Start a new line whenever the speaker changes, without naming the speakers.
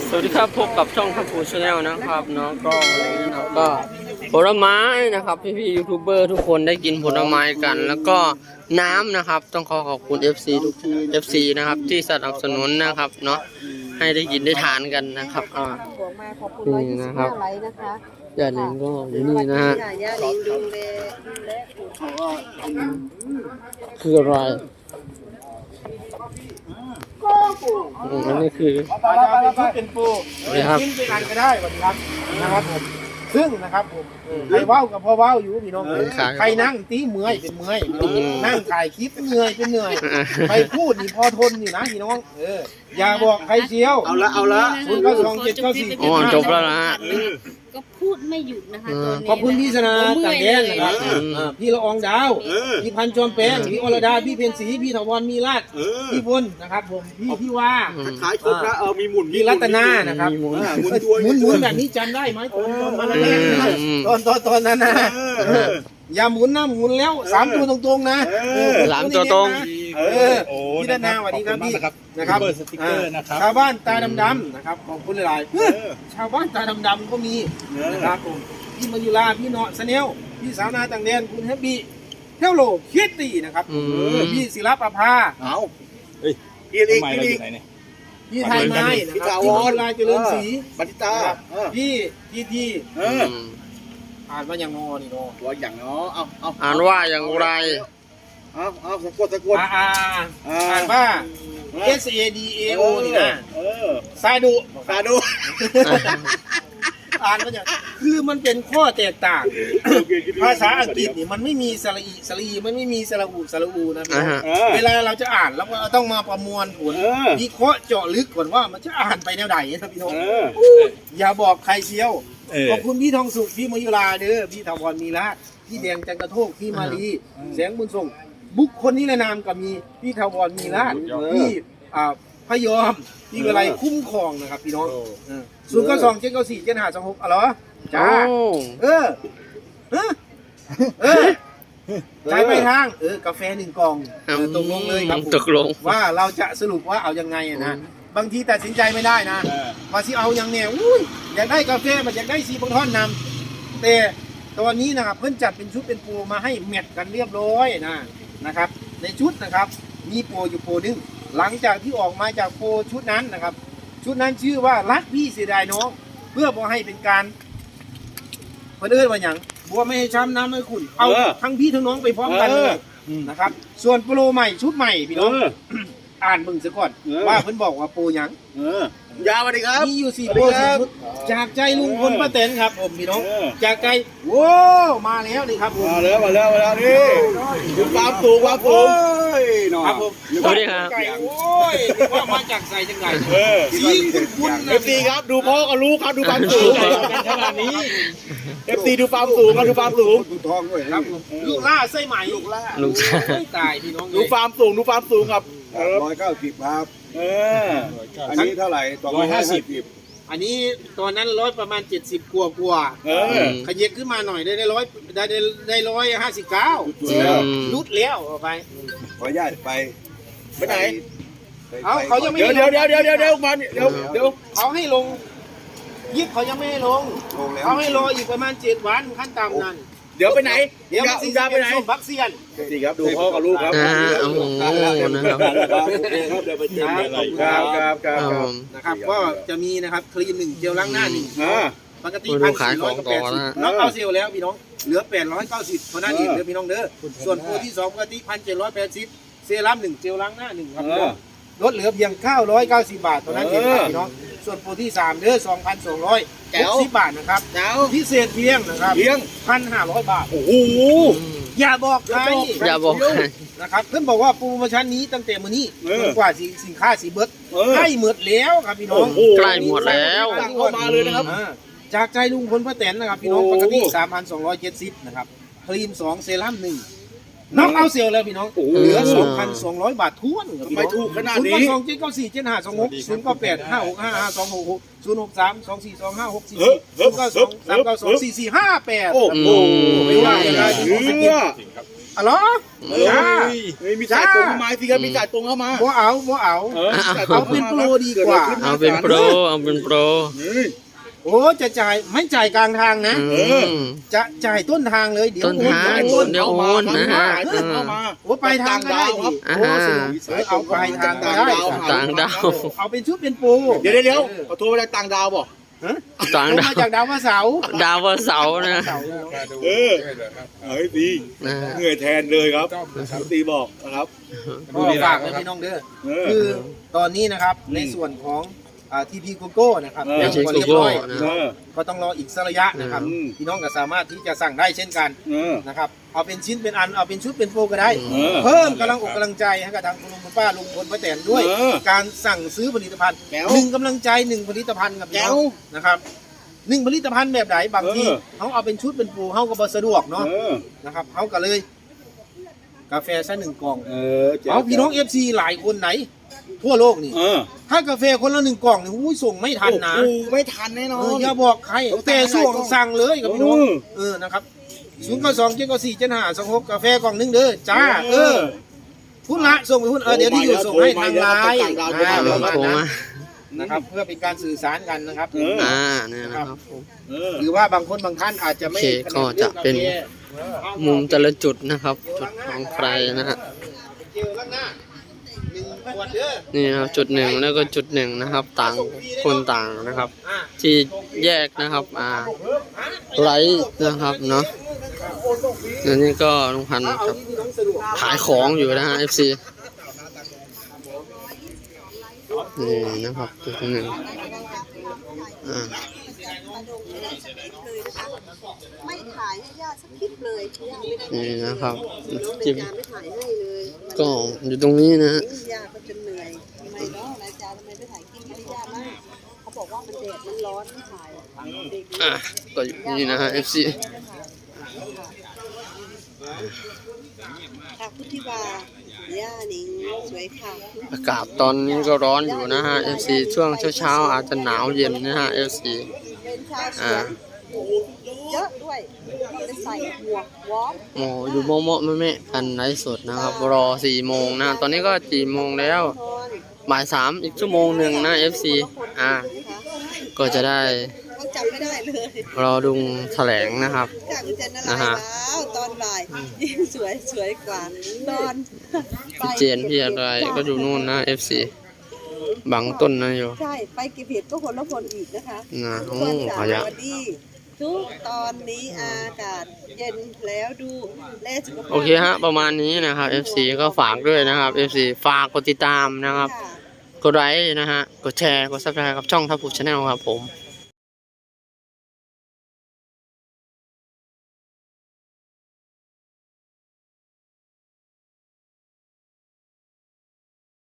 สวัสดีครับพบกับช่องทัพพูชาแนลนะครับเนาะก็วันนี้เราก็ผลไม้นะครับพี่ยูทูบเบอร์ทุกคนได้กินผลไม้กัน แล้วก็น้ำนะครับต้องขอบคุณ FC ทุก FC นะครับที่สนับสนุนนะครับเนาะให้ได้กินได้ทานกันนะครับนี่นะครับย่าลิงก็อยู่นี่นะฮะคืออะไรอันนี้คือ
เป็นปูกินไปกันก็ได้วันนี้ครับนะครับผมซึ่งนะครับผมใครว้าวกับพ่อว้าวอยู่พี่น้องใครนั่งตีเมื่อยเป็นเมื่อยนั่งถ่ายคลิปเหนื่อยเป็นเหนื่อยใครพูดนี่พอทนอยู่นะพี่น้องอย่าบอกใครเชียว
เอาละ
0927947
จบแล้วนะฮะ
ก็พูดไม่หยุดนะคะตอนนี้
ขอบคุณพี่ชนะต่างแดนนะครับพี่ละอองดาวพี่พันจอมแปงพี่อรดาพี่เพียรศรีพี่ถาวรมีราชพี่พลนะครับผมพี่ว่า
ขายครบแล้วมีหมุน
พี่รัตนานะครับหมุนแบบนี้จำได้ไหมตอนนั้นนะอย่าหมุนนะหมุนแล้ว3ตัวตรงๆนะ
3ตัวตรง
พี่รัตนาสวัสดีครับพี่นะครับ
สติ๊กเกอร์นะครับ
ชาวบ้านตาดำๆนะครับขอบคุณหลายชาวบ้านตาดำๆก็มีนะครับผมพี่มายุราพี่เนาะสเนลพี่สาวนาต่างแดนคุณแฮปปี้เทลโลคิตตี้นะครับพี่ศิลปภา
เอา
พี่ไทยไม้นะครับพี่วรเจริญศรี
บัติตา
พี่ทีอ่านว่าอย่างนอนี่เนาะ
ว่าอย่างเนาะ
อ่านว่าอย่างไร
เอาสะกด
อ่านว่า SADAO นี่นะซาดูอ่านว่าอย่างคือมันเป็นข้อแตกต่างภาษาอังกฤษนี่มันไม่มีสระอีสระอีมันไม่มีสระอูนะพี่เวลาเราจะอ่านแล้วเราต้องมาประมวลผลวิเคราะห์เจาะลึกก่อนว่ามันจะอ่านไปแนวไหนนะพี่น้องอย่าบอกใครเชียวขอบคุณพี่ทองสุขพี่มยุราเด้อพี่ถาวรมีละพี่แดงจันกระโทกพี่มาลีแสงบุญส่งบุคคลนิรนามก็มีพี่ถาวรมีละพี่พยอมพี่อะไรคุ้มครองนะครับพี่น้อง09279475526อะไรจ้าใช้ไปทางกาแฟ1 กล่องตกลงเลยครับ
ตกลง
ว่าเราจะสรุปว่าเอายังไงนะบางทีตัดสินใจไม่ได้นะว่าสิเอาอย่างแนวอยากได้กาแฟมันอยากได้ซีบังท่อนนำแต่ตอนนี้นะครับเพิ่นจัดเป็นชุดเป็นโปรมาให้แมทกันเรียบร้อยนะครับในชุดนะครับมีโปรอยู่โปรนึงหลังจากที่ออกมาจากโปรชุดนั้นนะครับชุดนั้นชื่อว่ารักพี่เสียดายน้องเพื่อบ่ให้เป็นการเพื่อนว่าอย่างบัวไม่ให้ช้ำน้ำไม่ขุ่นเอาทั้งพี่ทั้งน้องไปพร้อมกันเลยนะครับส่วนโปรใหม่ชุดใหม่พี่น้องอ่านมึงซะก่อนว่าเพิ่นบอกว่าโปรยัง
ยาวเลยครับ
มีอยู่4 โปร4 ชุดจากใจลุงพลป้าแตนครับผมพี่น้องจากใจว้าวมาแล้วนี่ครับผม
มาแล้วนี่ดูความสูงครับผม
สวัสดีครับ
โอ้ยว่ามาจากใส่จังไงสีคุณ
FC ครับดูพ่อกับลูกครับดูความสูงขนาดนี้ FC ดูความสูงครับดูความสูง
ดูทองด้วยครับลูกล่าไส้ใหม่ลูกล่าตายพี่น้อง
ดูความสูงครับ
190ครับอันนี้เท่าไหร่250อันนี้ตอนนั้นประมาณ70กว่าขยับขึ้นมาหน่อยได้159ลุดแล้วเอาไป
ขออนุญาตไปไหน
เขายังไม่
เดี๋ยวมาเดี๋ยว
เขาให้ลงยิบเขายังไม่ให้ลงเขาให้รออีกประมาณ7 วันขั้นต่ำนั้น
เดี๋ยวไปไหน
เดี๋ยวจะไปไหนบักเซียน
นี่ครับดูพ่อกับลูกครับ
นะครับก็จะมีนะครับคลีน1เจลล้างหน้า1ปกติ1,480น้องเอาเซลแล้วพี่น้องเหลือ890เท่านั้นเองเด้อพี่น้องเด้อส่วนโปรที่2ปกติ1,780เซรั่ม1เจลล้างหน้า1ครับลดเหลือเพียง990 บาทเท่านั้นเองพี่น้องส่วนโปรที่3เด้อ 2,260 บาทนะครับพิเศษเพียงนะครับ1,500 บาท
โอ้โห
อย่าบอกใคร
นะครับ
เพิ่นบอกว่าโปรโมชั่นนี้ตั้งแต่มื้อนี้จนกว่าสินค้าสิเบิดใกล้หมดแล้วครับพี่น้อง
ใกล้หมดแล้ว
เข้ามาเลยนะครับ
จากใจลุงพลป้าแตนนะครับพี่น้องปกติ 3,270 นะครับครีม2เซรั่ม1น้องเอาเซลแล้วพี่น้องเหลือ 2,200 บาทท้วน
ไม่ถูกขนาดนี้
09279475260 063242564 063244588โอ้โหไม่ว่าอะไรอ๋อเหรอ
เฮ้ยมีสายตรงเข้ามาสิครับมีสายตรงเข้ามา
บ่เอาบ่เอา เอาเป็นโปรดีกว่า
เอาเป็นโปรเอาเป็นโปร
โอ้จะจ่ายไม่จ่ายกลางทางนะ จะจ่ายต้นทางเลยเดี๋ยว
ต้นทาง
โอน
เดี๋ยวโอนนะฮะ
เข้ามา
โอ้ไปลายทางก็ได้ดิ
อ่า
โอ้สนุกเอาไปลายทางก็ได้
ต่างดาว
เอาเป็นชุดเป็นปู
เดี๋ยวขอโทรมาจากต่างดาวบ่
ฮะ
ต่าง
ลง
ดาว
มาจากดาวพระเสาร์
ดาววันเสาร์นะ
เสาร์
เฮ้ยดี
นะ
เหนื่อยแทนเลยครับตีบอกนะครับ
ก็ฝากไว้พี่น้องเด้อคือตอนนี้นะครับในส่วนของทีพีโกโก้นะครับ
เออ
ยังบ่เรียบร้อย
นะ
ก็ต้องรออีกสักระยะนะครับ
อืม
พี่น้องก็สามารถที่จะสั่งได้เช่นกันนะครับเอาเป็นชิ้นเป็นอันเอาเป็นชุดเป็นโปรก็ได้ เพิ่มกำลังอกกำลังใจให้กับทางคุณลุงคุณป้าลุงพลป้าแตนด้วย การสั่งซื้อผลิตภัณฑ์
แก้ว
หนึ่งกำลังใจหนึ่งผลิตภัณฑ์กับพี่น้อง
แก้ว
นะครับหนึ่งผลิตภัณฑ์แบบไหนบางที
เออ
เขาเอาเป็นชุดเป็นปูเขาก็บ่สะดวกเนาะนะครับเขาก็เลย กาแฟซะหนึ่งกล่องเอาพี่น้องFC หลายคนไหน ทั่วโลกนี่ถ้ากาแฟคนละหนึ่งกล่องนี่อุ้ยส่งไม่ทันนะ
ไม่ทันแน่นอน
อย่าบอกใคร
ต้อง
แต่ส่งสั่งเลยกับพี่น้อง
อืม
นะครับ092 794 7526กาแฟกล่องหนึงเด้อจ้าพุ่นละส่งไปพุ่นเดี๋ยวที่อยู่ส่งให้ทางไลน์
โทรมา
นะครับเพื่อเป็นการสื่อสารกันนะครับ
เนี่ยนะครับผม
หรือว่าบางคนบางท่านอาจจะไม่
โอเคก็จะเป็น มุมแต่ละจุดนะครับ จุดของใครนะฮะ
เจลล้างหน้า1 ขวดเด้อ
นี่นะครับจุดหนึ่งแล้วก็จุดหนึ่งนะครับ ต่างคนต่างนะครับ ที่แยกนะครับไลท์นะครับเนาะแล้วนี่ก็ลุงพันธุ์ครับขายของอยู่นะฮะ FC นี่นะครับจุดหนึ่ง
ไม่ถ่ายให้ญาติสักคลิปเลยญาติไม่ได้
นี่นะครับ
น้อง
จิ้ม
นายจาไม่ถ่ายให้เลย
ก็อยู่ตรงนี้นะฮะ
ญาติก็จะเหนื่อยทำไมเนาะนายจาทำไมไม่ถ่ายคลิปให้ญาติบ้างเขาบอกว่ามันแดดมันร้อนไม่ถ่ายเด็ก
ก็อยู่นี่นะฮะ FC
ค่ะพุทธิวาย่านิงสวยค่ะ
อากาศตอนนี้ก็ร้อนอยู่นะฮะ FC ช่วงเช้าๆอาจจะหนาวเย็นนะฮะ FC
เป็นชาวสวนเยอะด้วยจะใส่หมวกวอร์ม
โอ้อยู่โมะๆแม่ๆกันไลฟ์สดนะครับ รอ4 โมงนะ ตอนนี้ก็4 โมงแล้ว
ทน
บ่าย 3อีกชั่วโมงหนึ่งนะ FC ก็จะได้
เขาจำไม่ได้เลย
รอดูแถลงนะครับ
จากคุณเจนอะไรแล้วตอนบ่ายยิ่งสวยกว่าตอน
พี่เจนพี่อะไรก็อยู่นู่นนะ FC บังต้นนะอยู่
ใช่ไปเก็บเห็ดก็คนละคนอีกนะคะ
นะ
ทุ
โอ้
กคน
ข
สา
ยะ
วัสดีทุกตอนนี้อากาศเย็นแล้วดูแลสุขภาพ
โอเคฮะประมาณนี้นะครับ FC ก็ฝากด้วยนะครับ FC ฝากกดติดตามนะครับ
ค่ะ
กดไลค์นะฮะ กดแชร์ กด Subscribe กับช่องทัพผูชาแนลครับผม